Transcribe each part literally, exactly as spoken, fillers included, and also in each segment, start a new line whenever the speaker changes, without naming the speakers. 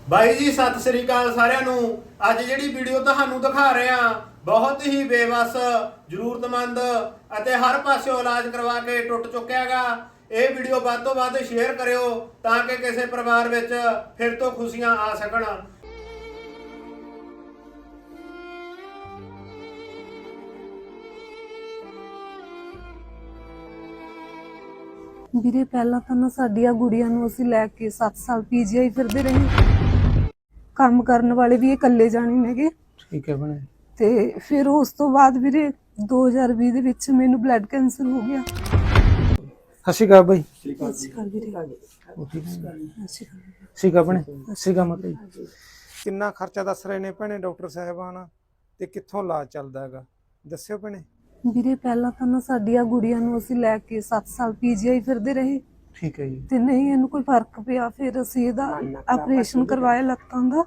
ਬਾਈ ਜੀ ਸਤਿ ਸ੍ਰੀ ਅਕਾਲ ਸਾਰਿਆਂ ਨੂੰ। ਅੱਜ ਜਿਹੜੀ ਵੀਡੀਓ ਤੁਹਾਨੂੰ ਦਿਖਾ ਰਹੇ ਹਾਂ ਬਹੁਤ ਹੀ ਬੇਵਸ ਜ਼ਰੂਰਤਮੰਦ ਅਤੇ ਹਰ ਪਾਸਿਓਂ ਇਲਾਜ ਕਰਵਾ ਕੇ ਟੁੱਟ ਚੁੱਕਿਆ ਹੈਗਾ। ਇਹ ਵੀਡੀਓ ਵੱਧ ਤੋਂ ਵੱਧ ਸ਼ੇਅਰ ਕਰਿਓ ਤਾਂ ਕਿ ਕਿਸੇ ਪਰਿਵਾਰ ਵਿੱਚ ਫਿਰ ਤੋਂ ਖੁਸ਼ੀਆਂ ਆ ਸਕਣ।
ਵੀਰੇ ਪਹਿਲਾਂ ਤਾਂ ਨਾ ਸਾਡੀਆਂ ਗੁੜੀਆਂ ਨੂੰ ਅਸੀਂ ਲੈ ਕੇ ਸੱਤ ਸਾਲ ਪੀਜੀਆਈ ਫਿਰਦੇ ਰਹੇ। ਕੰਮ ਕਰਨ ਵਾਲੇ ਵੀ ਇਹ ਇਕੱਲੇ ਜਾਣੇ ਨੇਗੇ।
ਠੀਕ ਹੈ ਬਣੇ।
ਤੇ ਫਿਰ ਉਸ ਤੋਂ ਬਾਅਦ ਵੀਰੇ ਦੋ ਹਜ਼ਾਰ ਵੀਹ ਦੇ ਵਿੱਚ ਮੈਨੂੰ ਬਲੱਡ ਕੈਂਸਰ ਹੋ ਗਿਆ।
ਸਤਿ ਸ਼੍ਰੀ ਅਕਾਲ ਬਾਈ।
ਸਤਿ ਸ਼੍ਰੀ ਅਕਾਲ ਵੀਰੇ।
ਠੀਕ ਹੈ ਬਣੇ। ਸਤਿ ਸ਼੍ਰੀ ਅਕਾਲ ਮਾਤਾ ਜੀ। ਕਿੰਨਾ ਖਰਚਾ ਦੱਸ ਰਹੇ ਨੇ ਭੈਣੇ ਡਾਕਟਰ ਸਾਹਿਬਾਨ ਤੇ ਕਿੱਥੋਂ ਇਲਾਜ ਚੱਲਦਾ ਹੈਗਾ ਦੱਸਿਓ ਭੈਣੇ।
ਵੀਰੇ ਪਹਿਲਾਂ ਤਾਂ ਨਾ ਸਾਡੀਆਂ ਗੁੜੀਆਂ ਨੂੰ ਅਸੀਂ ਲੈ ਕੇ ਸੱਤ ਸਾਲ ਪੀਜੀਆਈ ਫਿਰਦੇ ਰਹੇ।
ਠੀਕ ਹੈ ਜੀ।
ਤੇ ਨਹੀਂ ਇਹਨੂੰ ਕੋਈ ਫਰਕ ਪਿਆ, ਫਿਰ ਅਸੀਂ ਇਹਦਾ ਆਪਰੇਸ਼ਨ ਕਰਵਾਇਆ ਲੱਤਾਂ ਦਾ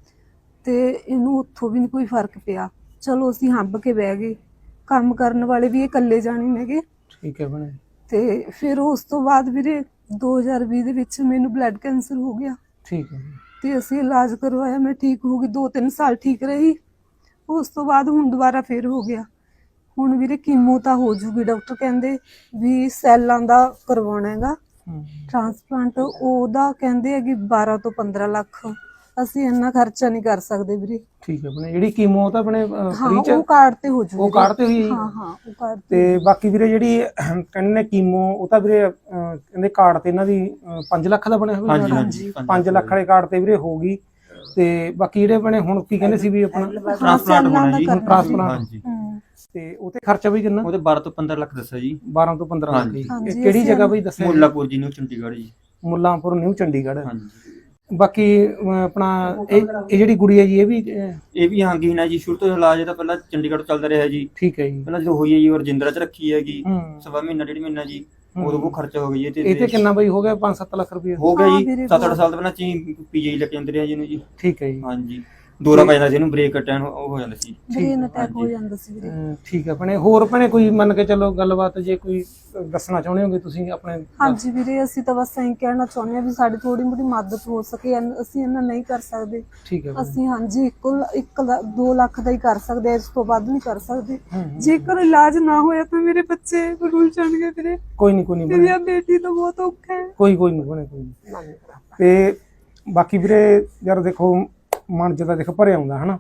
ਤੇ ਇਹਨੂੰ ਉੱਥੋਂ ਵੀ ਨਹੀਂ ਕੋਈ ਫਰਕ ਪਿਆ। ਚਲੋ ਅਸੀਂ ਹੰਬ ਕੇ ਬਹਿ ਗਏ। ਕੰਮ ਕਰਨ ਵਾਲੇ ਵੀ ਇਹ ਇਕੱਲੇ ਜਾਣੇ ਨੇਗੇ।
ਠੀਕ ਹੈ ਬਣੇ।
ਤੇ ਫਿਰ ਉਸ ਤੋਂ ਬਾਅਦ ਵੀਰੇ ਦੋ ਹਜ਼ਾਰ ਵੀਹ ਦੇ ਵਿੱਚ ਮੈਨੂੰ ਬਲੱਡ ਕੈਂਸਰ ਹੋ ਗਿਆ।
ਠੀਕ ਹੈ।
ਤੇ ਅਸੀਂ ਇਲਾਜ ਕਰਵਾਇਆ, ਮੈਂ ਠੀਕ ਹੋ ਗਈ, ਦੋ ਤਿੰਨ ਸਾਲ ਠੀਕ ਰਹੀ। ਉਸ ਤੋਂ ਬਾਅਦ ਹੁਣ ਦੁਬਾਰਾ ਫਿਰ ਹੋ ਗਿਆ। ਹੁਣ ਵੀਰੇ ਕੀਮੋ ਤਾਂ ਹੋ ਜੂਗੀ, ਡਾਕਟਰ ਕਹਿੰਦੇ ਵੀ ਸੈੱਲਾਂ ਦਾ ਕਰਵਾਉਣਾ ਹੈਗਾ ਟ੍ਰਾਂਸਪਲਾਂਟ। ਉਹਦਾ ਕਹਿੰਦੇ ਹੈ ਕਿ ਬਾਰਾਂ ਤੋਂ ਪੰਦਰਾਂ ਲੱਖ। ਅਸੀਂ ਇੰਨਾ ਖਰਚਾ ਨਹੀਂ ਕਰ ਸਕਦੇ ਵੀਰੇ।
ਠੀਕ ਹੈ ਬਣੇ। ਜਿਹੜੀ ਕੀਮੋ ਤਾਂ ਆਪਣੇ ਫ੍ਰੀ ਚ
ਉਹ ਕਾਰਡ ਤੇ ਹੋ ਜੂਗੀ।
ਉਹ ਕਾਰਡ ਤੇ ਹੋਈ।
ਹਾਂ ਹਾਂ ਉਹ ਕਾਰਡ
ਤੇ ਬਾਕੀ ਵੀਰੇ ਜਿਹੜੀ ਕਹਿੰਦੇ ਨੇ ਕੀਮੋ ਉਹ ਤਾਂ ਵੀਰੇ ਕਹਿੰਦੇ ਕਾਰਡ ਤੇ ਇਹਨਾਂ ਦੀ ਪੰਜ ਲੱਖ ਦਾ ਬਣਿਆ ਹੋਇਆ।
ਹਾਂਜੀ
ਪੰਜ ਲੱਖ ਵਾਲੇ ਕਾਰਡ ਤੇ ਵੀਰੇ ਹੋਊਗੀ। ਤੇ ਬਾਕੀ ਜਿਹੜੇ ਬਣੇ ਹੁਣ ਕੀ ਕਹਿੰਦੇ ਸੀ ਵੀ ਆਪਣਾ
ਟ੍ਰਾਂਸਪਲਾਂਟ ਹੋਣਾ ਜੀ।
ਟ੍ਰਾਂਸਪਲਾਂਟ
ਹਾਂਜੀ
ਤੇ ਉਹਤੇ ਖਰਚਾ ਵੀ ਕਿੰਨਾ?
ਉਹਦੇ ਬਾਰਾਂ ਤੋਂ ਪੰਦਰਾਂ ਲੱਖ ਦੱਸਿਆ ਜੀ।
ਬਾਰਾਂ ਤੋਂ ਪੰਦਰਾਂ ਲੱਖ ਜੀ।
ਹਾਂਜੀ,
ਕਿਹੜੀ ਜਗ੍ਹਾ ਬਈ ਦੱਸਿਆ?
ਮੁੱਲਾਪੁਰ ਜੀ, ਨਿਊ ਚੰਡੀਗੜ੍ਹ ਜੀ।
ਮੁੱਲਾਂਪੁਰ ਨਿਊ ਚੰਡੀਗੜ੍ਹ।
ਹਾਂਜੀ।
ਬਾਕੀ ਅਹ, ਆਪਣਾ ਇਹ ਇਹ ਜਿਹੜੀ ਗੁੜੀ ਹੈ ਜੀ ਇਹ ਵੀ ਅਹ,
ਇਹ ਵੀ ਹਾਂਗੀਨ ਹੈ ਜੀ। ਸ਼ੁਰੂ ਤੋਂ ਇਲਾਜ ਇਹਦਾ ਪਹਿਲਾਂ ਚੰਡੀਗੜ੍ਹ ਚੱਲਦਾ ਰਿਹਾ ਜੀ।
ਠੀਕ ਹੈ ਜੀ।
ਪਹਿਲਾਂ ਜਦੋਂ ਹੋਈ ਹੈ ਜੀ ਉਹ ਰਜਿੰਦਰਾ ਚ ਰੱਖੀ ਹੈਗੀ
ਹੂੰ।
ਸਵਾ ਮਹੀਨਾ ਡੇਢ ਮਹੀਨਾ ਜੀ। ਉਦੋਂ ਕੋ ਖਰਚਾ ਹੋ ਗਿਆ ਜੀ।
ਇਹ ਤੇ ਕਿੰਨਾ ਬਈ ਹੋ ਗਿਆ? ਪੰਜ ਸੱਤ ਲੱਖ ਰੁਪਏ
ਹੋ ਗਿਆ
ਹਾਂ
ਜੀ।
ਵੀਰੇ,
ਸੱਤ ਅੱਠ ਸਾਲ ਤੋਂ ਪਹਿਲਾਂ ਚੀ ਪੀਜੀ ਲੈ ਕੇ ਜਾਂਦੇ ਰਹੇ ਜੀ ਇਹਨੂੰ ਜੀ।
ਠੀਕ ਹੈ ਜੀ।
ਹਾਂਜੀ। ਦੌਰਾ ਪੈ ਜਾਂਦਾ ਸੀ ਇਹਨੂੰ, ਬ੍ਰੇਕ ਅਟੈਕ ਉਹ ਹੋ ਜਾਂਦਾ ਸੀ।
ਬ੍ਰੇਨ ਅਟੈਕ ਹੋ ਜਾਂਦਾ ਸੀ ਵੀਰੇ।
ਅਹ, ਠੀਕ ਹੈ ਭੈਣੇ। ਹੋਰ ਭੈਣੇ ਕੋਈ ਮੰਨ ਕੇ ਚੱਲੋ ਗੱਲਬਾਤ ਜੇ ਕੋਈ ਦੱਸਣਾ ਚਾਹੁੰਦੇ ਹੋਗੇ ਤੁਸੀਂ ਆਪਣੇ?
ਹਾਂਜੀ ਵੀਰੇ, ਅਸੀਂ ਤਾਂ ਬਸ ਐਂ ਕਹਿਣਾ ਚਾਹੁੰਦੇ ਹਾਂ ਵੀ ਸਾਡੀ ਥੋੜੀ ਮੋਟੀ ਮਦਦ ਹੋ ਸਕੇ। ਐਨ- ਅਸੀਂ ਇਹਨਾਂ ਨਹੀਂ ਕਰ ਸਕਦੇ।
ਠੀਕ ਹੈ ਭੈਣੇ।
ਅਸੀਂ ਹਾਂਜੀ ਇੱਕ ਇੱਕ ਲ- ਦੋ ਲੱਖ ਦਾ ਹੀ ਕਰ ਸਕਦੇ, ਇਸ ਤੋਂ ਵੱਧ ਨਹੀਂ ਕਰ ਸਕਦੇ।
ਹੂੰ, ਹੂੰ।
ਜੇਕਰ ਇਲਾਜ ਨਾ ਹੋਇਆ ਤਾਂ ਮੇਰੇ ਬੱਚੇ ਰੁਲ ਜਾਣਗੇ ਵੀਰੇ।
ਕੋਈ ਨਹੀਂ ਕੋਈ ਨਹੀਂ
ਮੇਰੀ
ਭੈਣੇ।
ਬੇਟੀ ਤਾਂ ਬਹੁਤ ਔਖਾ ਹੈ।
ਕੋਈ ਕੋਈ ਨਹੀਂ ਭੈਣੇ ਕੋਈ ਨਹੀਂ। ਤੇ ਬਾਕੀ ਵੀਰੇ ਯਾਰ ਦੇਖੋ ਮਨ ਜਦਾ ਦੇਖ ਭਰਿਆ ਆਉਂਦਾ ਹਨਾ।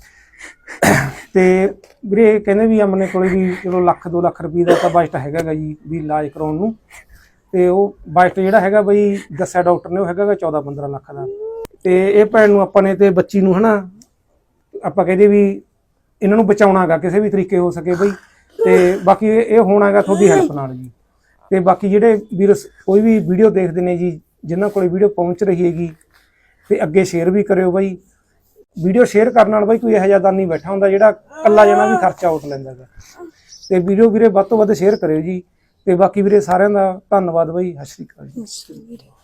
ਤੇ ਵੀਰੇ ਕਹਿੰਦੇ ਵੀ ਆਪਣੇ ਕੋਲੇ ਵੀ ਚਲੋ ਲੱਖ ਦੋ ਲੱਖ ਰੁਪਏ ਦਾ ਤਾਂ ਬਜਟ ਹੈਗਾ ਗਾ ਜੀ ਵੀ ਇਲਾਜ ਕਰਾਉਣ ਨੂੰ। ਤੇ ਉਹ ਬਜਟ ਜਿਹੜਾ ਹੈਗਾ ਬਈ ਦੱਸਿਆ ਡਾਕਟਰ ਨੇ ਉਹ ਹੈਗਾ ਗਾ ਚੌਦਾਂ ਪੰਦਰਾਂ ਲੱਖ ਦਾ। ਤੇ ਇਹ ਭੈਣ ਨੂੰ ਆਪਾਂ ਨੇ ਤੇ ਬੱਚੀ ਨੂੰ ਹਨਾ ਆਪਾਂ ਕਹਿੰਦੇ ਵੀ ਇਹਨਾਂ ਨੂੰ ਬਚਾਉਣਾ ਗਾ ਕਿਸੇ ਵੀ ਤਰੀਕੇ ਹੋ ਸਕੇ ਬਈ। ਤੇ ਬਾਕੀ ਇਹ ਹੋਣਾ ਗਾ ਤੁਹਾਡੀ ਹੈਲਪ ਨਾਲ ਜੀ। ਤੇ ਬਾਕੀ ਜਿਹੜੇ ਵੀਰ ਕੋਈ ਵੀ ਵੀਡੀਓ ਦੇਖਦੇ ਨੇ ਜੀ ਜਿਨ੍ਹਾਂ ਕੋਲੇ ਵੀਡੀਓ ਪਹੁੰਚ ਰਹੀ ਹੈਗੀ ਤੇ ਅੱਗੇ ਸ਼ੇਅਰ ਵੀ ਕਰਿਓ ਬਾਈ। ਵੀਡੀਓ ਸ਼ੇਅਰ ਕਰਨ ਨਾਲ ਬਾਈ ਕੋਈ ਇਹੋ ਜਿਹਾ ਦਾਨੀ ਬੈਠਾ ਹੁੰਦਾ ਜਿਹੜਾ ਇਕੱਲਾ ਜਣਾ ਵੀ ਖਰਚਾ ਉੱਠ ਲੈਂਦਾ ਗਾ। ਤੇ ਵੀਡੀਓ ਵੀਰੇ ਵੱਧ ਤੋਂ ਵੱਧ ਸ਼ੇਅਰ ਕਰਿਓ ਜੀ। ਤੇ ਬਾਕੀ ਵੀਰੇ ਸਾਰਿਆਂ ਦਾ ਧੰਨਵਾਦ ਬਾਈ। ਸਤਿ ਸ਼੍ਰੀ ਅਕਾਲ ਜੀ।